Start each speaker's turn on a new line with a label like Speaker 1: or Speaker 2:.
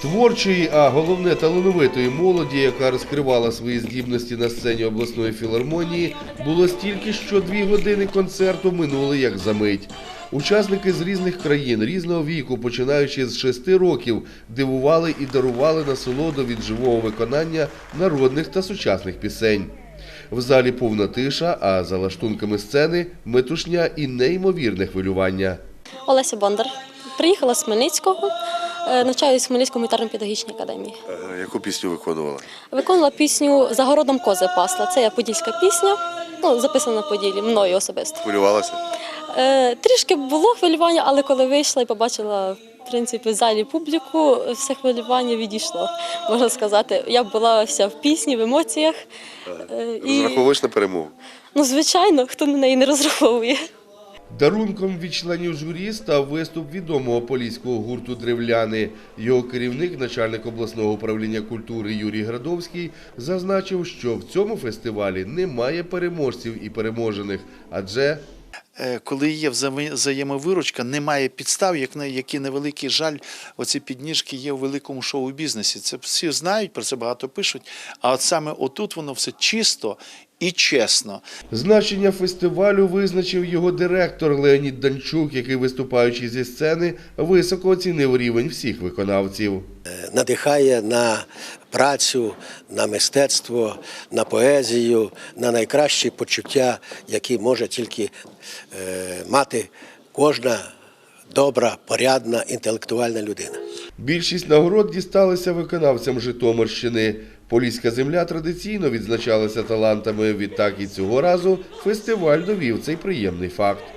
Speaker 1: Творчої, а головне талановитої молоді, яка розкривала свої здібності на сцені обласної філармонії, було стільки, що 2 години концерту минули як за мить. Учасники з різних країн, різного віку, починаючи з 6 років, дивували і дарували насолоду від живого виконання народних та сучасних пісень. В залі повна тиша, а за лаштунками сцени – метушня і неймовірне хвилювання.
Speaker 2: Олеся Бондар. Приїхала з Хмельницького, навчаюсь в Хмельницькому гітарно-педагогічній академії.
Speaker 1: Яку пісню виконувала?
Speaker 2: Виконувала пісню «За городом кози пасла». Це подільська пісня, записана на Поділі, мною особисто.
Speaker 1: Хвилювалася?
Speaker 2: Трішки було хвилювання, але коли вийшла і побачила в принципі, в залі публіку, все хвилювання відійшло, можна сказати. Я була вся в пісні, в емоціях.
Speaker 1: Розраховуєш на перемогу?
Speaker 2: Ну, звичайно, хто на неї не розраховує.
Speaker 1: Дарунком від членів журі став виступ відомого поліського гурту «Древляни». Його керівник, начальник обласного управління культури Юрій Градовський, зазначив, що в цьому фестивалі немає переможців і переможених, адже
Speaker 3: коли є взаємовиручка, немає підстав, які на великий жаль, оці підніжки є у великому шоу-бізнесі. Це всі знають, про це багато пишуть, а от саме отут воно все чисто і чесно.
Speaker 1: Значення фестивалю визначив його директор Леонід Данчук, який, виступаючи зі сцени, високо оцінив рівень всіх виконавців.
Speaker 4: Надихає на працю, на мистецтво, на поезію, на найкращі почуття, які може тільки мати кожна добра, порядна, інтелектуальна людина.
Speaker 1: Більшість нагород дісталися виконавцям Житомирщини. Поліська земля традиційно відзначалася талантами, відтак і цього разу фестиваль довів цей приємний факт.